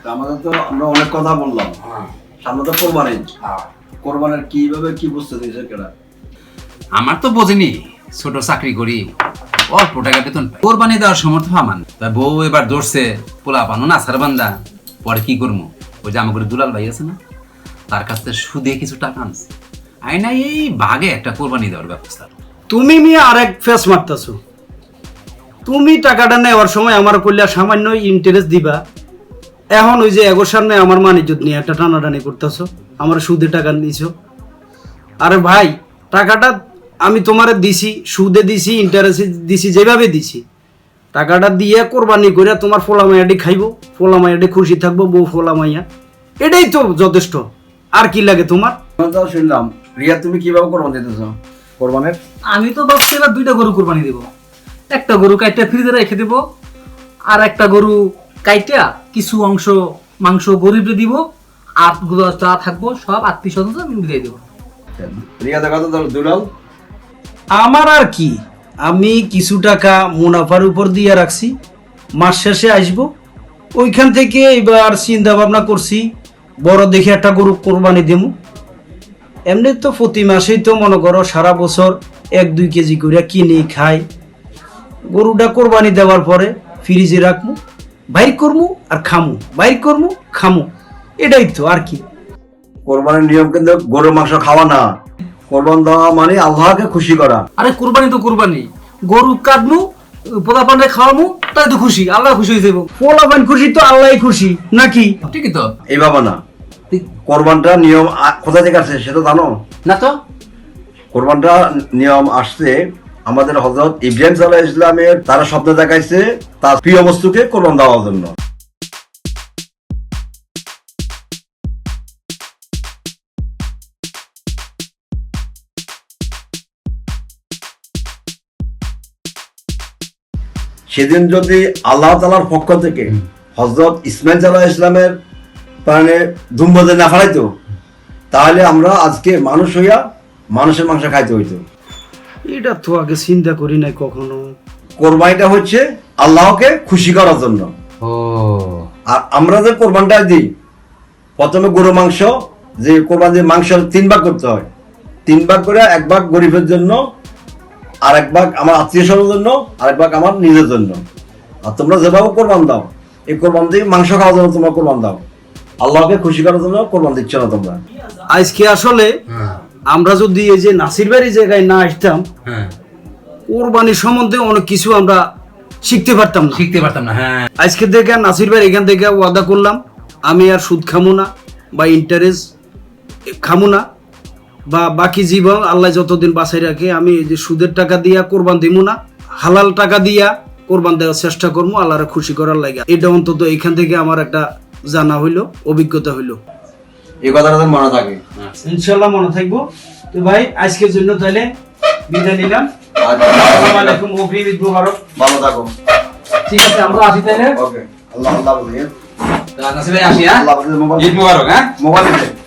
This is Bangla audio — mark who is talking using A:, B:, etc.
A: আমাদের তো আমরা অনেক কথা বললাম, সামনে তো কোরবানি, কোরবানির কিভাবে কি বুঝতে দিয়েছে কেনা?
B: আমার তো বোঝেনি, ছোট চাকরি করি, অল্প টাকা বেতন পাই। কোরবানি দেওয়ার সমর্থ আমার না। তা বউ এবার ধরছে, পোলা পানো না সার বান্দা, পরে কি করবো? ওই যে আমার দুলাল ভাই আছে না, তার কাছ থেকে সুদে কিছু টাকা আনছে, আইনা এই ভাগে একটা কোরবানি দেওয়ার ব্যবস্থা।
C: তুমি মিয়া আরেক ফেস মারতেছো। তুমি টাকাটা নেওয়ার সময় আমার কইলা সামান্য ইন্টারেস্ট দিবা, এখন ওই যে এগোর সামনে আমার মানিজ্জত নিয়ে একটা টানাটানি করতেছো, আমার সুদে টাকা নিছো। আরে ভাই, টাকাটা আমি তোমারে দিছি, সুদে দিছি, ইন্টারেস্ট দিছি, যেভাবে দিছি, টাকাটা দিয়ে কোরবানি করে তোমার ফোলা মাইয়াটি খাইবো, ফোলা মাইয়াটি খুশি থাকবো, বউ ফোলা মাইয়া, এটাই তো যথেষ্ট। আর কি লাগে তোমার?
A: তাও শুনলাম রিয়া তুমি কিভাবে কোরবানি দিতেছো কোরবানের?
D: আমি তো ভাবছি এবার 2টা গরু কোরবানি দেব। একটা গরু কাইটা ফ্রিজে রেখে দেব, আর একটা গরু কাইটা কিছু অংশ মাংস গরিবরে দিব, আর যা থাকবো সব আত্মীয় স্বজন মিলিয়ে দেবো।
A: রিয়া দেখা তো দুলাল।
C: আমার আর কি, আমি কিছু টাকা মুনাফার উপর দিয়ে রাখছি, মাস শেষে আসবো, ওইখান থেকে এবার চিন্তা ভাবনা করছি বড় দেখে একটা গরু কোরবানি দেবো। এমনি তো প্রতি মাসেই তো মনে করো সারা বছর 1-2 কেজি করে কিনি খাই, গরুটা কোরবানি দেওয়ার পরে ফ্রিজে রাখবো, বাইর করবো আর খামু, বাইর করবো খামু, এটাই তো আর কি।
A: কোরবানির নিয়ম কিন্তু গরুর মাংস খাওয়া না, কোরবান দেওয়া মানে আল্লাহকে খুশি করা।
D: আরে কোরবানি তো কোরবানি, গরু কাটবো, পোলা পান্ডে খাওয়াবো, তাই তো খুশি, আল্লাহ খুশি হয়ে যাবো।
C: পোলাপান খুশি তো আল্লাহ খুশি নাকি?
B: ঠিকই তো।
A: এইভাবে না, কোরবানটা নিয়ম কোথা থেকে আসছে সেটা জানো?
B: না তো।
A: কোরবানটা নিয়ম আসছে আমাদের হযরত ইব্রাহিম সাল্লাল্লাহু আলাইহি ইসলামের, তারা স্বপ্ন দেখাইছে তার প্রিয় বস্তুকে কোরবান দেওয়ার জন্য। সেদিন যদি আল্লাহ তাআলার পক্ষ থেকে হযরত ইসমাইল সাল্লাল্লাহু ইসলামের প্রাণে ধুমবাজে না ফালাইতো, তাহলে আমরা আজকে মানুষ হইয়া মানুষের মাংস খাইতে হইতো।
C: এটা তো আগে চিন্তা করি নাই কখনো।
A: কোরবানিটা হচ্ছে আল্লাহকে খুশি করার জন্য।
B: ও,
A: আর আমরা যে কোরবানটা দিই, প্রথমে গরু মাংস, যে কোরবানির মাংস 3 ভাগ করতে হয়, 3 ভাগ করে 1 ভাগ গরিবের জন্য, আর 1 ভাগ আমার আত্মীয় স্বজনের জন্য, আর 1 ভাগ আমার নিজের জন্য। আর তোমরা যেভাবে কোরবান দাও, এই কোরবান দিয়ে মাংস খাওয়ার জন্য তোমরা কোরবান দাও, আল্লাহকে খুশি করার জন্য কোরবান দিচ্ছ না তোমরা।
C: আজকে আসলে আমরা যদি এই যে নাসির বাড়ির জায়গায় না আসতাম, কোরবানির সম্বন্ধে অনেক কিছু আমরা শিখতে পারতাম না।
B: হ্যাঁ,
C: আজকে থেকে নাসির ভাই এখান থেকে ওয়াদা করলাম, আমি আর সুদ খামো না বা ইন্টারেস্ট খামো না, বা বাকি জীবন আল্লাহ যতদিন বাঁচাই রাখে আমি এই যে সুদের টাকা দিয়া কোরবান দিব না, হালাল টাকা দিয়া কোরবান দেওয়ার চেষ্টা করবো আল্লাহরে খুশি করার লাগে। এটা অন্তত এখান থেকে আমার একটা জানা হইলো, অভিজ্ঞতা হইলো।
A: এই কথাটা যেন মনে থাকে।
C: ইনশাল্লাহ মনে থাকবো। তো ভাই আজকের জন্য তাহলে বিদায় নিলাম। আসসালামু আলাইকুম, অগ্রিম ঈদ মুবারক।
A: ভালো থাকো।
D: ঠিক আছে, আমরা আসি তাহলে।
A: ওকে, আল্লাহ আল্লাহ বলিয়ে
B: নাসির ভাই আসি। হ্যাঁ,
A: আল্লাহ হাফেজ।
B: ঈদ মুবারক। হ্যাঁ,
A: মোবাইল